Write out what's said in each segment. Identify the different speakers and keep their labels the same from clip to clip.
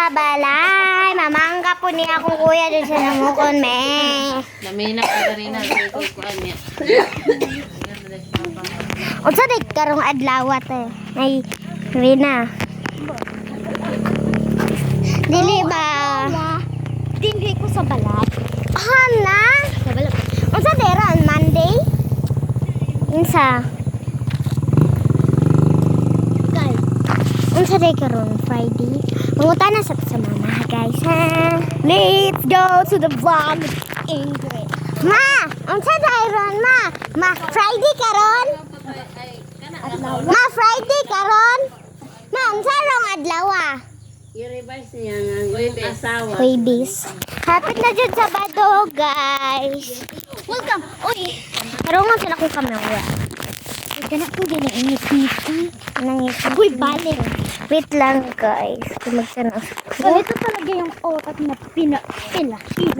Speaker 1: sa balay. Mamangga po niya akong kuya doon sa namukon, me.
Speaker 2: Namina ka rin na kukuan niya.
Speaker 1: Unsa day karong adlaw te? Ay, Rina. Dili ba?
Speaker 3: Dili ko sa balat.
Speaker 1: Hala.
Speaker 3: Sa balat.
Speaker 1: Unsa day ron Monday? Unsa?
Speaker 3: Kay.
Speaker 1: Unsa day karon Friday? Mangutana sa mama, guys, ha.
Speaker 3: Let's go to the vlog with Ingrid.
Speaker 1: Ma, unsa day ron, ma? Ma, Friday karon? Ma, Friday karon? Ma, unsa rong adlaw?
Speaker 2: I-revise niya nga asawa.
Speaker 1: Babies. Hapit na dyan sa Bado, guys.
Speaker 3: Welcome. Uy.
Speaker 1: Karungan sila kong kamera.
Speaker 3: Ganap ko din ang init-init.
Speaker 1: Nangis.
Speaker 3: Uy, bale.
Speaker 1: Wait lang, guys. Kumagsanas.
Speaker 3: So, ito talaga yung oras na pinila.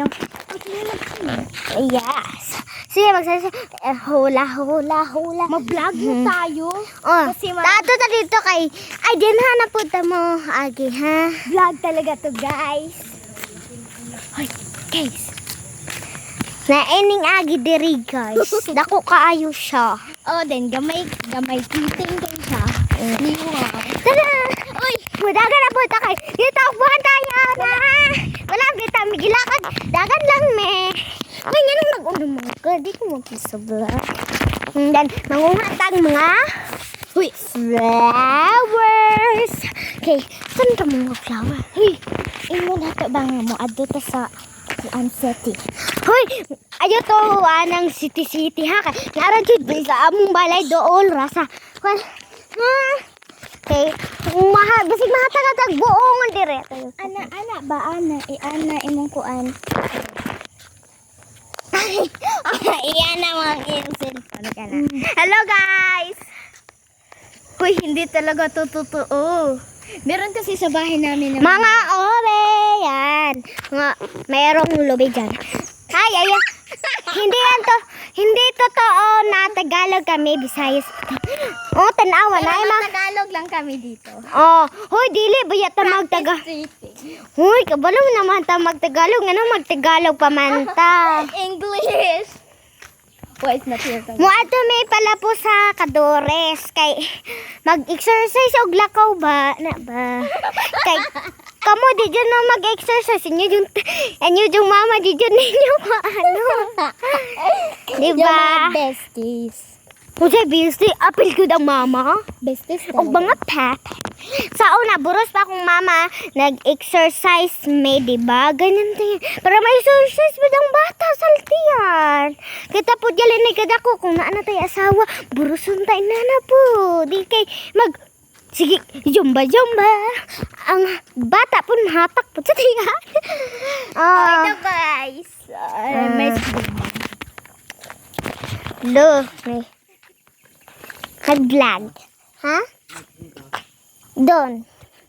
Speaker 1: Yes. Sige, magsasabi. Hula.
Speaker 3: Mag-vlog na tayo.
Speaker 1: Oh,
Speaker 3: Kasi
Speaker 1: tato ta dito kay... Ay, din ha, napunta mo. Agi, ha?
Speaker 3: Vlog talaga to, guys. Hoy, guys.
Speaker 1: Naining agi diri, guys. Dako kaayo siya.
Speaker 3: Oh, then gamay kiting din siya. Wow.
Speaker 1: Tara! Uy! Dagan na po ito kay. Dito, buhan tayo na! Wala, kita, migilakad. Dagan lang, me. Uy, nga nang nag-unumang ka. Di ko magpisobla. And then, manguhatag mga... Uy! Flowers! Okay, saan ka mga flower?
Speaker 3: Uy, imo na to bang mo adto ta sa City.
Speaker 1: Hoy! Ayaw to, ng city ha. Naran jud sa among balay dool, rasa. Kwan, ha? Okay, basig mahatag-hatag buong dire.
Speaker 3: Ana ba ana imong kuan.
Speaker 1: Iyan na mga instant. Hello, guys!
Speaker 3: Uy, hindi talaga to totoo. Meron kasi sa bahay namin
Speaker 1: Mga obe, yan. Mayroong lobe dyan. Ay. Hindi totoo na Tagalog kami, Visayas. Oh, tanawa na.
Speaker 3: Tagalog lang kami dito.
Speaker 1: Oh, hoy, dili, bayat ta magtaga. Hoy, kabalo mo naman ta magtagalog. Ano magtagalog pa man ta?
Speaker 3: English. Why is not here?
Speaker 1: Mo ato may pala po sa Kadores kay mag-exercise og lakaw ba na ba kay kamo di dyan na mag-exercise inyo yung mama di dyan ninyo paano di ba
Speaker 3: Besties.
Speaker 1: kung sa busy apil ko ng mama
Speaker 3: Besties
Speaker 1: og mga pet sa una buros pa akong mama nag-exercise may di ba ganyan tayo para may exercise ba ng bata saltiyan kita po dyan ni kadako kung naana tayo asawa burusun tayo na po di kay sige jumba ang bata po mahatak po sa tiyan
Speaker 3: Ito guys. May
Speaker 1: lo may nag-vlog ha doon.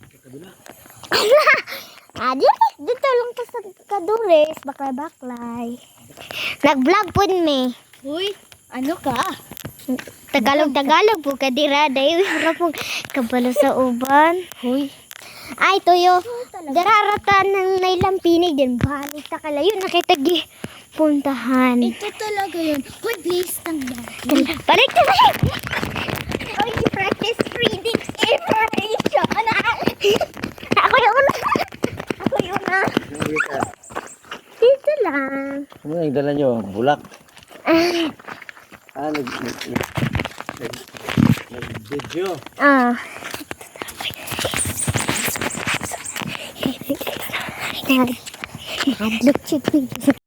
Speaker 1: Dito lang to sa Kadures, baklay. Nag-vlog po me.
Speaker 3: Uy, ano ka?
Speaker 1: Tagalog po kadira dahil harap po kabalo sa uban.
Speaker 3: Uy.
Speaker 1: Ay, tuyo. Dararata ng nailang pinig din. Balik ta kalayo nakitagi puntahan.
Speaker 3: Ito talaga yun. Uy, please tanggal.
Speaker 1: Balik ta balik.
Speaker 3: Uy, practice reading information.
Speaker 1: Ako yung una. Dito lang.
Speaker 4: Ano yung dala nyo? Bulak? Nag-video.
Speaker 1: Nag-look